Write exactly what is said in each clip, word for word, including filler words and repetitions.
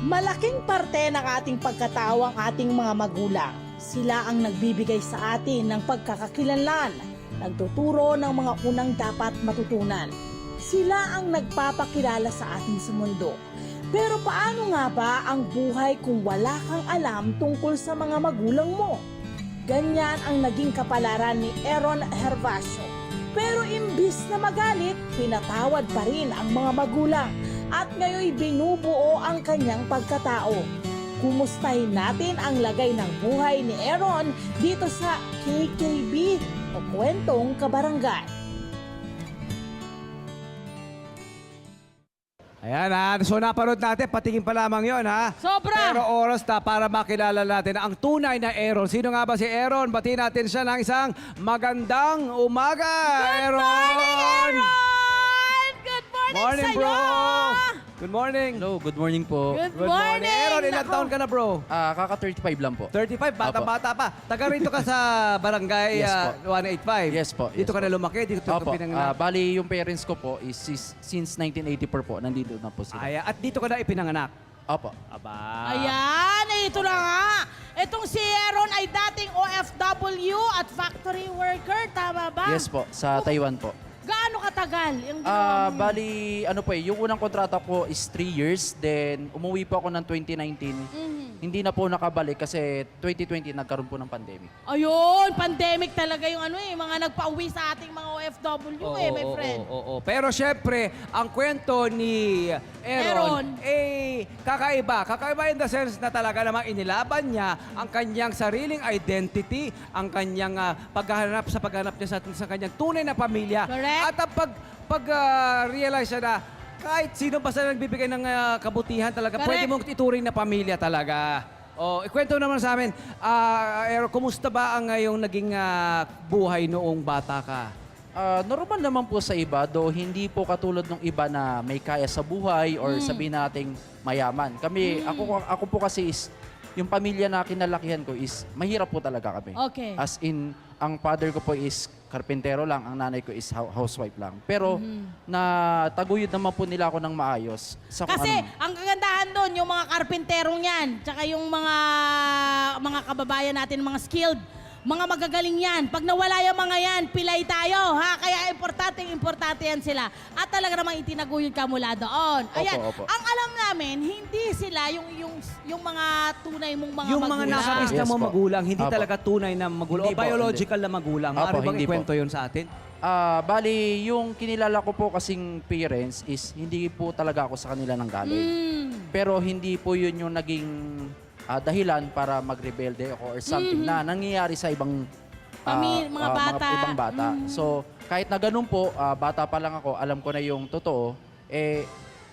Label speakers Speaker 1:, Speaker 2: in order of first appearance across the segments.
Speaker 1: Malaking parte ng ating pagkatao ang ating mga magulang. Sila ang nagbibigay sa atin ng pagkakakilanlan, nagtuturo ng mga unang dapat matutunan. Sila ang nagpapakilala sa atin sa mundo. Pero paano nga ba ang buhay kung wala kang alam tungkol sa mga magulang mo? Ganyan ang naging kapalaran ni Aaron Hervasio. Pero imbis na magalit, pinatawad pa rin ang mga magulang at ngayoy binubuo ang kanyang pagkatao. Kumustahin natin ang lagay ng buhay ni Aaron dito sa K K B o Kwentong Kabarangay.
Speaker 2: Ayan ha, so napanood natin, patingin pa lamang yon ha.
Speaker 1: Sobra!
Speaker 2: Pero oras na para makilala natin ang tunay na Aaron. Sino nga ba si Aaron? Batiin natin siya ng isang magandang umaga,
Speaker 1: Good
Speaker 2: Aaron!
Speaker 1: morning, Aaron! Good morning,
Speaker 2: Morning,
Speaker 1: sa'yo!
Speaker 2: bro! Good morning!
Speaker 3: Hello, good morning po.
Speaker 1: Good,
Speaker 2: Good morning! Aaron, ilang
Speaker 1: Nako.
Speaker 2: taon ka na, bro?
Speaker 3: Ah, kaka thirty-five lang po.
Speaker 2: thirty-five, bata-bata pa. Taga rito ka sa barangay
Speaker 3: Yes
Speaker 2: ah,
Speaker 3: po.
Speaker 2: one eighty-five.
Speaker 3: Yes po, yes
Speaker 2: Dito ka
Speaker 3: po.
Speaker 2: na lumaki, dito ka
Speaker 3: Opo. Ah,
Speaker 2: pinanganak.
Speaker 3: bali, yung parents ko po is sis- since nineteen eighty-four po, nandito na po sila.
Speaker 2: Ay, at dito ka na ipinanganak.
Speaker 3: Opo.
Speaker 2: Aba.
Speaker 1: Ayan, ito na nga. Itong si Aaron ay dating O F W at factory worker, tama ba?
Speaker 3: Yes po, sa Taiwan po.
Speaker 1: Gaano katagal yung ginawa
Speaker 3: Ah,
Speaker 1: mo?
Speaker 3: bali, ano po eh, yung unang kontrata ko is three years, then umuwi po ako ng twenty nineteen.
Speaker 1: Mhm.
Speaker 3: Hindi na po nakabalik kasi twenty twenty nagkaroon po ng pandemic.
Speaker 1: Ayun, pandemic talaga yung ano eh, mga nagpa-uwi sa ating mga O F W eh, my
Speaker 2: Oo,
Speaker 1: friend.
Speaker 2: oo, oo. Pero syempre, ang kwento ni
Speaker 1: Aaron.
Speaker 2: Aaron, eh, kakaiba. Kakaiba in the sense na talaga namang inilaban niya ang kanyang sariling identity, ang kanyang ah, paghahanap sa paghanap niya sa, sa kanyang tunay na pamilya.
Speaker 1: Correct.
Speaker 2: At ang pag, pag ah, realize siya na kahit sino basta nagbibigay ng ah, kabutihan talaga,
Speaker 1: Correct.
Speaker 2: pwede mong ituring na pamilya talaga. Oh, ikwento naman sa amin, ah, Aaron, kumusta ba ang ngayong naging ah, buhay noong bata ka?
Speaker 3: Ah, normal naman po sa iba, though hindi po katulad ng iba na may kaya sa buhay or sabihin nating mayaman. Kami, ako, ako po kasi is, yung pamilya na kinalakihan ko is, mahirap po talaga kami.
Speaker 1: Okay.
Speaker 3: As in, ang father ko po is karpentero lang, ang nanay ko is hou- housewife lang. Pero, na taguyod naman po nila ako ng maayos. Sa kung
Speaker 1: Kasi
Speaker 3: anong-
Speaker 1: ang kagandahan doon, yung mga karpenterong yan, tsaka yung mga mga kababayan natin, mga skilled, mga magagaling yan. Pag nawala yung mga yan, pilay tayo, ha? Kaya importante, importante yan sila. At talaga namang itinaguyod ka mula doon. Ayan,
Speaker 3: Opo, opo.
Speaker 1: ang alam namin, hindi sila yung yung yung mga tunay mong mga
Speaker 2: Yung mga
Speaker 1: magulang.
Speaker 2: nasa lista
Speaker 3: Yes
Speaker 2: mo
Speaker 3: po.
Speaker 2: magulang, hindi
Speaker 3: Apo.
Speaker 2: talaga tunay na magulang
Speaker 3: Hindi
Speaker 2: o
Speaker 3: po,
Speaker 2: biological na magulang.
Speaker 3: Apo,
Speaker 2: Maaari bang
Speaker 3: hindi po.
Speaker 2: ikwento yun sa atin?
Speaker 3: Ah, bali, yung kinilala ko po kasing parents is hindi po talaga ako sa kanila nang galing.
Speaker 1: Mm.
Speaker 3: Pero hindi po yun yung naging ah, dahilan para magrebelde ako or something na nangyayari sa ibang ah,
Speaker 1: Pami- mga
Speaker 3: ah,
Speaker 1: bata.
Speaker 3: ibang bata.
Speaker 1: Mhm.
Speaker 3: So, kahit na ganun po, ah, bata pa lang ako, alam ko na yung totoo, eh,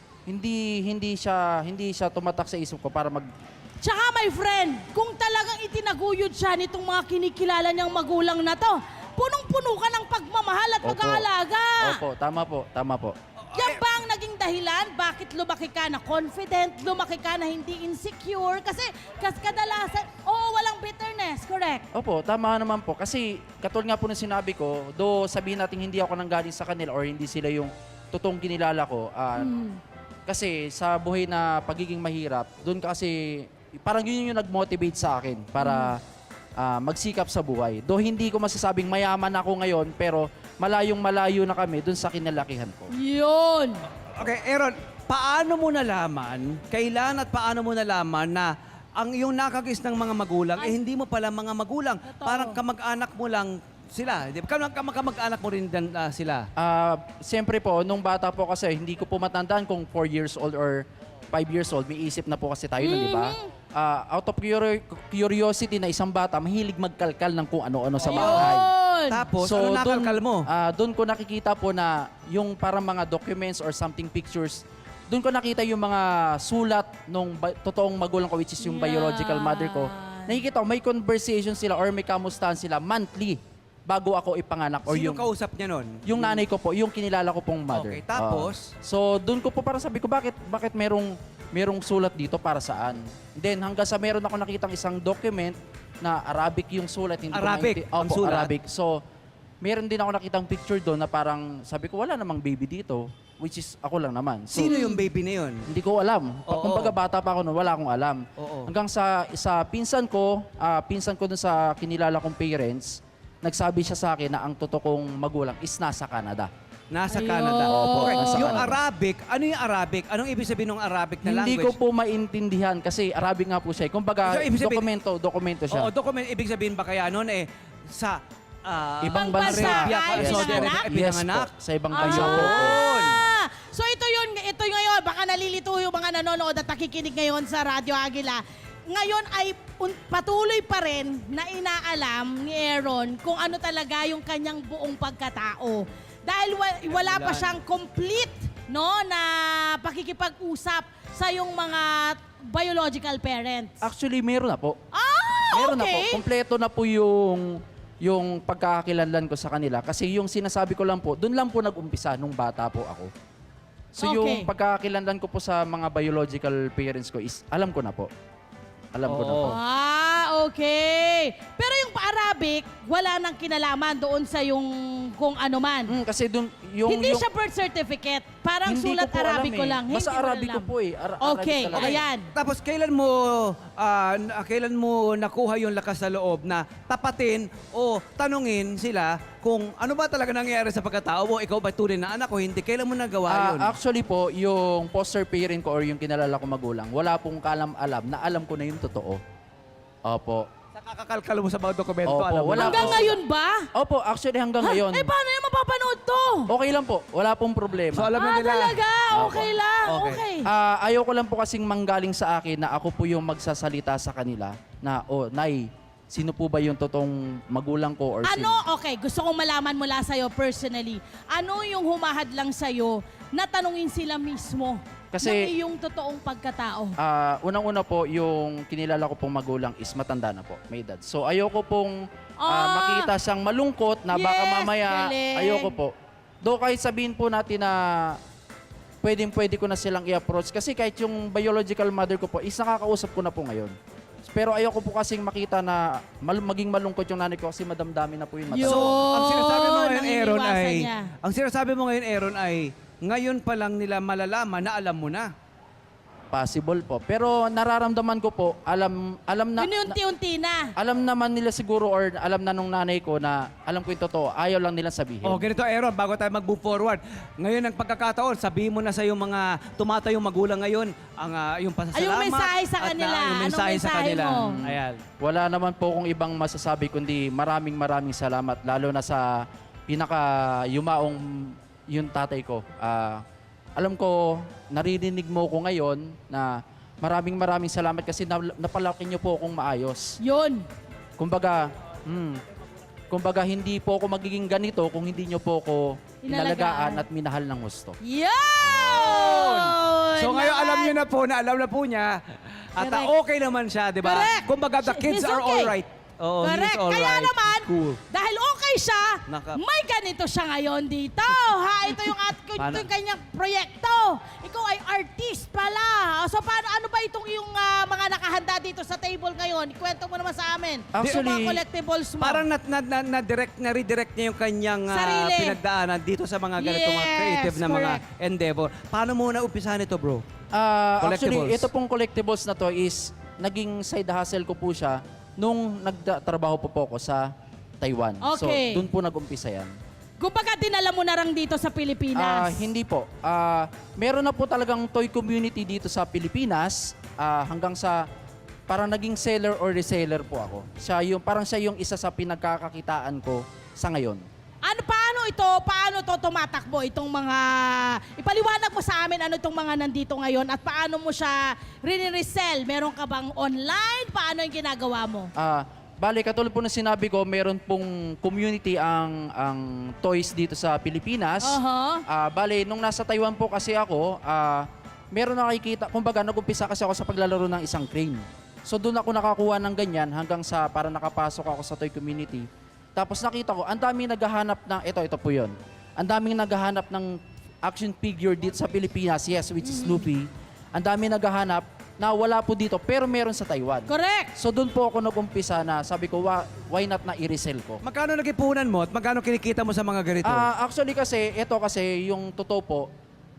Speaker 3: hindi hindi siya hindi siya tumatak sa isip ko para mag
Speaker 1: Tsaka my friend, kung talagang itinaguyod siya nitong mga kinikilala niyang magulang na to, punong-puno ka ng pagmamahal at
Speaker 3: Opo.
Speaker 1: pag-aalaga.
Speaker 3: Opo, tama po, tama po.
Speaker 1: Yan ba ang naging dahilan bakit lumaki ka na confident, lumaki ka na hindi insecure? Kasi kas kadalasan, oo, walang bitterness, correct?
Speaker 3: Opo, tama naman po. Kasi katulad nga po ng sinabi ko, do sabihin natin hindi ako nanggaling sa kanila or hindi sila yung totoong kinilala ko. ah, Kasi sa buhay na pagiging mahirap, doon kasi parang yun yung nag-motivate sa akin para ah, magsikap sa buhay. Do hindi ko masasabing mayaman ako ngayon, pero malayong malayo na kami doon sa kinalakihan ko.
Speaker 1: Yun.
Speaker 2: Okay, Aaron, paano mo nalaman, kailan at paano mo nalaman na ang yung nakagis ng mga magulang, eh hindi mo pala mga magulang.
Speaker 1: Totoo.
Speaker 2: Parang kamag-anak mo lang sila. Di ba? Kamag- kamag- Kamag-anak mo rin dan, ah, sila.
Speaker 3: Ah, siyempre po, nung bata po kasi, hindi ko po matandaan kung four years old or five years old. May isip na po kasi tayo nun, di ba? Ah, out of curi- curiosity na isang bata, mahilig magkalkal ng kung ano-ano sa bahay.
Speaker 1: Yun.
Speaker 2: Tapos, ano nakalkal mo?
Speaker 3: ah, doon ko nakikita po na yung parang mga documents or something pictures, doon ko nakita yung mga sulat nung ba- totoong magulang ko, which is yung biological mother ko. Nakikita ko, may conversation sila or may kamustahan sila monthly bago ako ipanganak. Or
Speaker 2: Sino
Speaker 3: yung,
Speaker 2: kausap niya nun?
Speaker 3: yung nanay ko po, yung kinilala ko pong mother.
Speaker 2: Okay, tapos?
Speaker 3: Ah, so, doon ko po parang sabi ko, bakit, bakit merong, merong sulat dito para saan? Then, hanggang sa meron ako nakitang isang document na Arabic yung sulat. Hindi
Speaker 2: Arabic
Speaker 3: ko mainti-
Speaker 2: ang
Speaker 3: Opo,
Speaker 2: sulat?
Speaker 3: Arabic. So, meron din ako nakitang picture doon na parang, sabi ko, wala namang baby dito. which is ako lang naman. So,
Speaker 2: Sino yung baby na yun?
Speaker 3: hindi ko alam.
Speaker 2: Oo.
Speaker 3: Kung baga bata pa ako noon, wala akong alam.
Speaker 2: Oo.
Speaker 3: Hanggang sa sa pinsan ko, ah, pinsan ko dun sa kinilala kong parents, nagsabi siya sa akin na ang totoo kong magulang is nasa Canada.
Speaker 2: Nasa
Speaker 1: Ayun.
Speaker 2: Canada.
Speaker 1: Opo,
Speaker 2: Okay.
Speaker 3: nasa
Speaker 2: Yung
Speaker 3: Canada.
Speaker 2: Arabic, ano yung Arabic? Anong ibig sabihin ng Arabic na
Speaker 3: Hindi
Speaker 2: language?
Speaker 3: ko po maintindihan kasi Arabic nga po siya. Kung baga,
Speaker 2: So, ibig sabihin-
Speaker 3: dokumento, dokumento siya.
Speaker 2: Oo, document, ibig sabihin ba kaya noon eh, sa ah,
Speaker 3: Ibang
Speaker 1: bansa
Speaker 2: Arabia,
Speaker 1: ay
Speaker 2: Saudi Arabia,
Speaker 1: pinanganak?
Speaker 2: ay
Speaker 3: Yes
Speaker 2: pinanganak?
Speaker 3: po, sa ibang bansa po.
Speaker 2: Ayun.
Speaker 1: Ah, so ito yun, ito ngayon, baka nalilito yung mga nanonood at nakikinig ngayon sa Radyo Agila. Ngayon ay un- patuloy pa rin na inaalam ni Aaron kung ano talaga yung kanyang buong pagkatao. Dahil wa- wala pa
Speaker 2: Dahilan.
Speaker 1: siyang complete no, na pakikipag-usap sa yung mga biological parents.
Speaker 3: Actually, meron na po.
Speaker 1: Ah,
Speaker 3: Meron na po.
Speaker 1: okay.
Speaker 3: Kompleto na po yung yung pagkakakilanlan ko sa kanila. Kasi yung sinasabi ko lang po, doon lang po nag-umpisa nung bata po ako. So
Speaker 1: Okay.
Speaker 3: yung pagkakakilanlan ko po sa mga biological parents ko is, alam ko na po. Alam ko na po.
Speaker 2: Oo.
Speaker 1: Ah, okay. Pero yung pa-Arabic, wala nang kinalaman doon sa yung kung ano man.
Speaker 3: Mm, kasi doon, yung...
Speaker 1: Hindi
Speaker 3: yung,
Speaker 1: siya birth certificate. Parang
Speaker 3: hindi
Speaker 1: sulat
Speaker 3: ko po
Speaker 1: Arabic
Speaker 3: alam
Speaker 1: ko
Speaker 3: eh.
Speaker 1: lang.
Speaker 3: Basta
Speaker 1: Hindi mo
Speaker 3: Arabic ko
Speaker 1: alam.
Speaker 3: po eh. Ara-
Speaker 1: Okay,
Speaker 3: Arabic talaga.
Speaker 1: ayan.
Speaker 2: Tapos kailan mo ah, n- kailan mo nakuha yung lakas sa loob na tapatin o tanungin sila kung ano ba talaga nangyayari sa pagkatao mo? Ikaw ba tunay na anak o hindi? Kailan mo nagawa
Speaker 3: Ah,
Speaker 2: yun?
Speaker 3: actually po, yung foster parent ko or yung kinalala ko magulang, wala pong kalam-alam na alam ko na yung totoo. Opo.
Speaker 2: Sa kakakalkal mo sa mga dokumento,
Speaker 3: Opo,
Speaker 2: alam mo
Speaker 3: wala
Speaker 2: na.
Speaker 1: Hanggang
Speaker 3: po.
Speaker 1: ngayon ba?
Speaker 3: Opo, actually hanggang ngayon.
Speaker 1: Eh, paano yung mapapanood to?
Speaker 3: Okay lang po. Wala pong problema.
Speaker 2: So alam na
Speaker 1: Ah,
Speaker 2: nila.
Speaker 1: talaga?
Speaker 3: Opo.
Speaker 1: Okay lang.
Speaker 2: Okay.
Speaker 1: Okay.
Speaker 3: Ah, ayaw ko lang po kasing manggaling sa akin na ako po yung magsasalita sa kanila na, oh, Nay, sino po ba yung totoong magulang ko or sino?
Speaker 1: Ano? Okay, gusto kong malaman mula sa'yo personally. Ano yung humahad lang sa'yo na tanungin sila mismo
Speaker 3: Kasi-
Speaker 1: ng iyong totoong pagkatao?
Speaker 3: Ah, unang-una po, yung kinilala ko pong magulang is matanda na po, may edad. So ayoko pong ah,
Speaker 1: Ah!
Speaker 3: makita siyang malungkot na baka
Speaker 1: Yes,
Speaker 3: mamaya,
Speaker 1: galing.
Speaker 3: ayoko po. Do kahit sabihin po natin na pwedeng pwede ko na silang i-approach kasi kahit yung biological mother ko po is nakakausap ko na po ngayon. Pero ayoko po kasing makita na mal- maging malungkot yung nanay ko kasi madamdami na po yung mata.
Speaker 1: Yun.
Speaker 2: So, ang sinasabi mo ngayon,
Speaker 1: ang
Speaker 2: Aaron,
Speaker 1: iniwasan
Speaker 2: ay...
Speaker 1: niya.
Speaker 2: Ang sinasabi mo ngayon, Aaron, ay ngayon pa lang nila malalaman na alam mo na.
Speaker 3: Possible po. Pero nararamdaman ko po, alam alam na, na
Speaker 1: Unti-unti na.
Speaker 3: alam naman nila siguro or alam na nung nanay ko na alam ko yung totoo, ayaw lang nila sabihin.
Speaker 2: Oh, ganito, Aaron, bago tayo mag-move forward. Ngayon ang pagkakataon, sabihin mo na sa yung mga tumatayong magulang ngayon ang ah, yung pasasalamat.
Speaker 1: Ay, yung mensahe sa
Speaker 2: at, ah,
Speaker 1: kanila.
Speaker 2: yung
Speaker 1: Anong
Speaker 2: mensahe sa
Speaker 1: mensahe
Speaker 2: kanila.
Speaker 1: mo?
Speaker 2: Ayan.
Speaker 3: Wala naman po kung ibang masasabi kundi maraming maraming salamat lalo na sa pinaka yumaong yung tatay ko. Ah, alam ko naririnig mo ko ngayon na maraming maraming salamat kasi na- napalaki niyo po akong maayos.
Speaker 1: Yun.
Speaker 3: Kumbaga, hmm, kumbaga hindi po ako magiging ganito kung hindi niyo po ako
Speaker 1: Inalagaan.
Speaker 3: inalagaan at minahal ng gusto.
Speaker 1: Yun!
Speaker 2: So ngayon alam niyo na po na alam na po niya at ah,
Speaker 1: Correct.
Speaker 2: okay naman siya, di ba?
Speaker 1: Correct.
Speaker 2: Kumbaga the kids
Speaker 1: He's
Speaker 2: are
Speaker 1: okay.
Speaker 2: all right. Oo, he's
Speaker 1: Correct.
Speaker 2: all
Speaker 1: Kaya
Speaker 2: right.
Speaker 1: naman,
Speaker 2: Cool.
Speaker 1: dahil okay siya,
Speaker 2: Naka-
Speaker 1: may ganito siya ngayon dito. Ha? Ito yung, at, ito
Speaker 2: Paano?
Speaker 1: yung kanyang proyekto. Ikaw ay artist pala. So paano, ano ba itong yung ah, mga nakahanda dito sa table ngayon? Ikwento mo naman sa amin.
Speaker 3: Actually,
Speaker 1: yung mga collectibles mo.
Speaker 2: Parang na, na, na, na direct na redirect niya yung kanyang ah,
Speaker 1: Sarili.
Speaker 2: pinagdaanan dito sa mga ganito mga
Speaker 1: Yes,
Speaker 2: creative na mga
Speaker 1: correct.
Speaker 2: endeavor. Paano mo na umpisahan ito, bro?
Speaker 3: Ah, actually,
Speaker 2: Collectibles.
Speaker 3: ito pong collectibles na to is naging side hustle ko po siya nung nagtrabaho po po ako sa Taiwan.
Speaker 1: Okay.
Speaker 3: So, doon po nag-umpisa yan.
Speaker 1: Kumbaga dinala mo na lang dito sa
Speaker 3: Ah,
Speaker 1: Pilipinas.
Speaker 3: hindi po. Ah, meron na po talagang toy community dito sa Pilipinas ah, hanggang sa parang naging seller or reseller po ako. Siya yung, parang siya yung isa sa pinagkakakitaan ko sa ngayon.
Speaker 1: Ano, paano ito, paano to tumatakbo itong mga, ipaliwanag mo sa amin ano itong mga nandito ngayon at paano mo siya rini-resell? Meron ka bang online? Paano yung ginagawa mo?
Speaker 3: Ah, bale, katulad po na sinabi ko, meron pong community ang ang toys dito sa Pilipinas.
Speaker 1: Aha.
Speaker 3: Ah, bale, nung nasa Taiwan po kasi ako, ah, meron nakikita, kumbaga nag-umpisa kasi ako sa paglalaro ng isang crane. So doon ako nakakuha ng ganyan hanggang sa para nakapasok ako sa toy community. Tapos nakita ko, ang daming naghahanap ng, ito, ito po yun. Ang daming naghahanap ng action figure dito sa Pilipinas, yes, which is Snoopy. Ang daming naghahanap na wala po dito, pero meron sa Taiwan.
Speaker 1: Correct.
Speaker 3: So doon po ako nag-umpisa na sabi ko, "Wa- why not na i-resell ko?
Speaker 2: Magkano nag-ipunan mo at magkano kinikita mo sa mga ganito?
Speaker 3: Ah, actually kasi, ito kasi yung totoo po,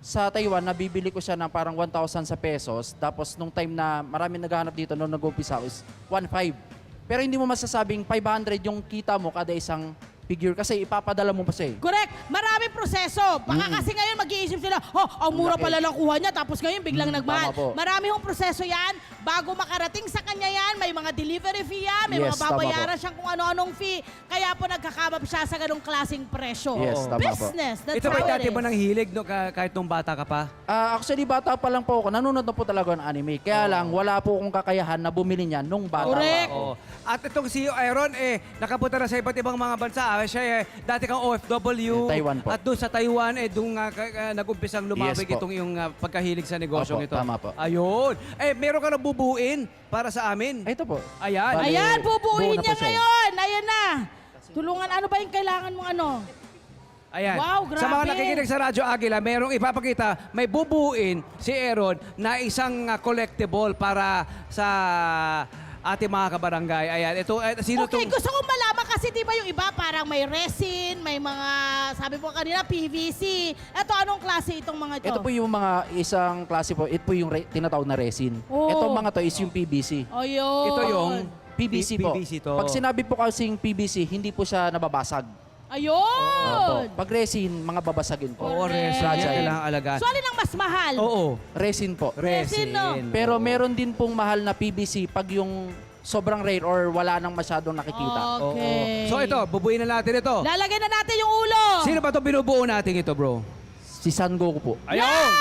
Speaker 3: sa Taiwan, nabibili ko siya ng parang one thousand sa pesos. Tapos nung time na marami naghahanap dito, nung nag-umpisa is one five. Pero hindi mo masasabing five hundred yung kita mo kada isang figure kasi ipapadala mo pa siya eh.
Speaker 1: Correct. Maraming proseso. Baka kasi ngayon mag-iisip sila, oh, ang mura
Speaker 3: Laki.
Speaker 1: pala lang kuha niya, tapos ngayon biglang
Speaker 3: Mm,
Speaker 1: nagmahal.
Speaker 3: tama po.
Speaker 1: Marami hong proseso yan. Bago makarating sa kanya yan, may mga delivery fee yan, may
Speaker 3: Yes,
Speaker 1: mga
Speaker 3: tama
Speaker 1: babayaran
Speaker 3: po.
Speaker 1: siyang kung ano-anong fee. Kaya po nagkakamap siya sa ganong klaseng presyo.
Speaker 3: Yes, tama po.
Speaker 1: Business, that's
Speaker 2: Ito
Speaker 1: how
Speaker 2: ba
Speaker 1: it
Speaker 2: dati
Speaker 1: is.
Speaker 2: mo nang hilig no, ka- kahit nung bata ka pa?
Speaker 3: Ah, actually, bata pa lang po ako. Nanonood na po talaga ng anime. Kaya lang, wala po akong kakayahan na bumili niyan nung bata
Speaker 1: Correct.
Speaker 3: pa ako.
Speaker 2: Oo. At itong si Aaron, eh, nakapunta na sa iba't ibang mga bansa. Ah, Siya, eh, dati kang O F W.
Speaker 3: Eh, Taiwan po.
Speaker 2: At doon sa Taiwan, eh, doon nga ka- ka- nag-umpisang lumabig
Speaker 3: Yes po.
Speaker 2: itong yung ah, pagkahilig sa negosyong
Speaker 3: Opo,
Speaker 2: ito.
Speaker 3: tama po.
Speaker 2: Ayun. Eh, meron ka na bubuin para sa amin.
Speaker 3: Ay, ito po.
Speaker 2: Ayan.
Speaker 3: Bali,
Speaker 1: Ayan,
Speaker 3: buo
Speaker 1: bubuin
Speaker 3: na po
Speaker 1: niya
Speaker 3: siya.
Speaker 1: ngayon. Ayan na. Tulungan, ano ba yung kailangan mong ano?
Speaker 2: Ayan.
Speaker 1: Wow,
Speaker 2: Sa mga
Speaker 1: grabe.
Speaker 2: nakikinig sa Radyo Agila, merong ipapakita, may bubuin si Aaron na isang ah, collectible para sa ating mga kabarangay. Ayan. Ito, eh, sino
Speaker 1: Okay,
Speaker 2: tong-
Speaker 1: gusto kong malaman kasi di ba yung iba parang may resin, may mga, sabi po kanina, P V C. Ito, anong klase itong mga ito?
Speaker 3: Ito po yung mga isang klase po. Ito po yung re- tinatawag na resin.
Speaker 1: Oh.
Speaker 3: Itong mga to is yung P V C.
Speaker 1: Ayun.
Speaker 2: Ito yung
Speaker 3: P V C po.
Speaker 2: P V C to.
Speaker 3: Pag sinabi po kasing P V C, hindi po siya nababasag.
Speaker 1: Ayun.
Speaker 3: Opo. Pag resin, mga babasagin po.
Speaker 2: Oo,
Speaker 1: Correct.
Speaker 2: resin.
Speaker 3: Fragile.
Speaker 2: Kailangan alagaan.
Speaker 1: So, alin ang mas mahal?
Speaker 2: Oo.
Speaker 3: Resin po.
Speaker 1: Resin, no?
Speaker 3: Pero
Speaker 2: Oo.
Speaker 3: meron din pong mahal na P V C pag yung sobrang rare or wala nang masyadong nakikita.
Speaker 2: Oo.
Speaker 1: Okay.
Speaker 2: So ito, bubuin na natin ito.
Speaker 1: Lalagay na natin yung ulo.
Speaker 2: Sino ba itong binubuo natin ito, bro?
Speaker 3: Si San Goku po.
Speaker 2: Ayun!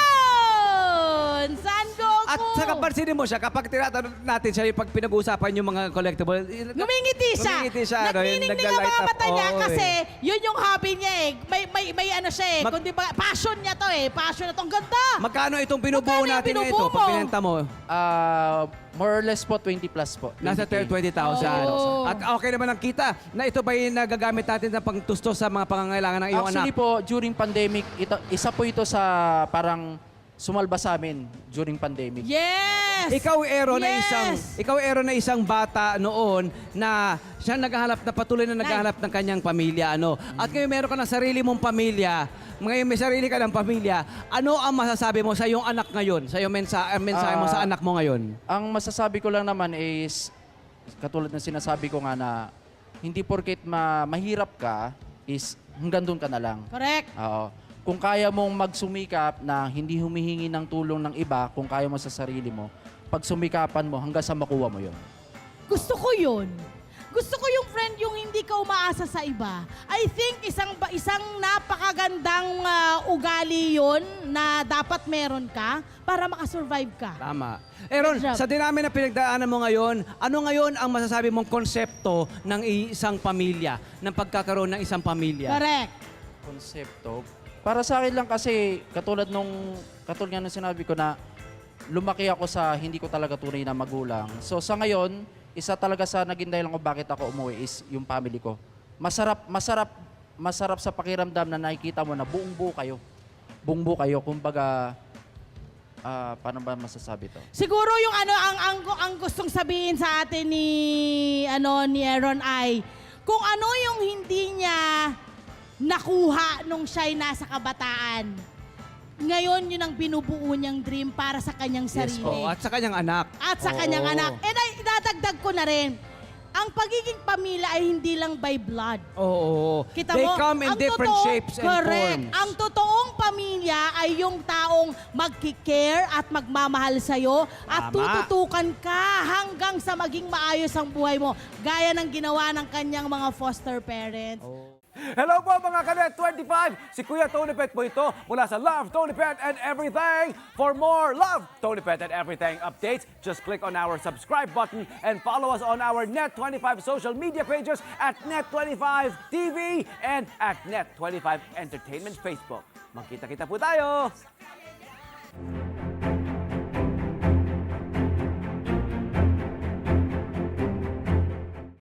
Speaker 1: Yun! San Goku!
Speaker 2: At sa kapansinin mo siya, kapag tinatanong natin siya yung pag pinag-uusapan yung mga collectible,
Speaker 1: Ngumingiti siya.
Speaker 2: Ngumingiti siya, ano, yung
Speaker 1: Nagniningning ang
Speaker 2: nagla-light
Speaker 1: mga
Speaker 2: up.
Speaker 1: mata niya
Speaker 2: Oo,
Speaker 1: kasi
Speaker 2: eh.
Speaker 1: yun yung hobby niya eh. May, may, may ano siya eh.
Speaker 2: Mag-
Speaker 1: Kundi ba, passion niya to eh. Passion na to. Ang ganda!
Speaker 2: magkano itong binubuo
Speaker 1: Magkano yung
Speaker 2: natin na ito
Speaker 1: binubuo
Speaker 2: pag
Speaker 1: mo?
Speaker 2: pinenta mo?
Speaker 3: Ah, more or less po twenty plus po.
Speaker 2: Nasa
Speaker 3: twenty K.
Speaker 2: twenty thousand.
Speaker 1: Oo.
Speaker 2: At okay naman ang kita na ito ba yung nagagamit natin na pangtusto sa mga pangangailangan ng iyong
Speaker 3: Actually
Speaker 2: anak?
Speaker 3: po, during pandemic, ito, isa po ito sa parang sumalba sa amin during pandemic.
Speaker 1: Yes!
Speaker 2: Ikaw, Aaron, na
Speaker 1: Yes!
Speaker 2: isang ikaw, Aaron, na isang bata noon na siya naghahanap na patuloy na naghahanap ng kanyang pamilya, ano. At ngayon meron ka ng sarili mong pamilya. Ngayon may sarili ka ng pamilya. Ano ang masasabi mo sa iyong anak ngayon? Sa iyong mensa uh, mensahe mo sa
Speaker 3: Ah,
Speaker 2: anak mo ngayon?
Speaker 3: Ang masasabi ko lang naman is, katulad ng sinasabi ko nga na, hindi porket ma mahirap ka, is hanggang doon ka na lang.
Speaker 1: Correct.
Speaker 3: Oo. Kung kaya mong magsumikap na hindi humihingi ng tulong ng iba, kung kaya mo sa sarili mo, pag sumikapan mo hanggang sa makuha mo yon.
Speaker 1: Gusto ko yun. Gusto ko yung friend yung hindi ka umaasa sa iba. I think isang ba- isang napakagandang ah, ugali yun na dapat meron ka para makasurvive ka.
Speaker 2: Tama. Aaron,
Speaker 1: Good job.
Speaker 2: sa dinami na pinagdaanan mo ngayon, ano ngayon ang masasabi mong konsepto ng isang pamilya, ng pagkakaroon ng isang pamilya?
Speaker 1: Correct.
Speaker 3: Konsepto. Para sa akin lang kasi, katulad nung, katulad nga nung sinabi ko na, lumaki ako sa hindi ko talaga tunay na magulang. So sa ngayon, isa talaga sa naging dahilan ko bakit ako umuwi is yung family ko. Masarap, masarap, masarap sa pakiramdam na nakikita mo na buong buo kayo. Buong buo kayo. Kumbaga, ah, paano ba masasabi to?
Speaker 1: Siguro yung ano ang ang, ang gustong sabihin sa atin ni ano ni Aaron ay kung ano yung hindi niya nakuha nung siya'y nasa kabataan. Ngayon yun ang binubuo niyang dream para sa kanyang sarili.
Speaker 2: Oo, at sa kanyang anak.
Speaker 1: At sa
Speaker 2: Oo.
Speaker 1: kanyang anak. And ay, idadagdag ko na rin, ang pagiging pamilya ay hindi lang by blood.
Speaker 2: Oo.
Speaker 1: Kita
Speaker 2: They
Speaker 1: mo,
Speaker 2: come in
Speaker 1: ang
Speaker 2: different
Speaker 1: totoong-
Speaker 2: shapes and
Speaker 1: correct.
Speaker 2: forms.
Speaker 1: Ang totoong pamilya ay yung taong magkikare at magmamahal sa'yo at
Speaker 2: Tama.
Speaker 1: tututukan ka hanggang sa maging maayos ang buhay mo. Gaya ng ginawa ng kanyang mga foster parents.
Speaker 2: Hello po mga Kanet twenty-five! Si Kuya Tony Pet po ito mula sa Love, Tony Pet and Everything. For more Love, Tony Pet and Everything updates, just click on our subscribe button and follow us on our Net twenty-five social media pages at Net twenty-five T V and at Net twenty-five Entertainment Facebook. Magkita-kita po tayo!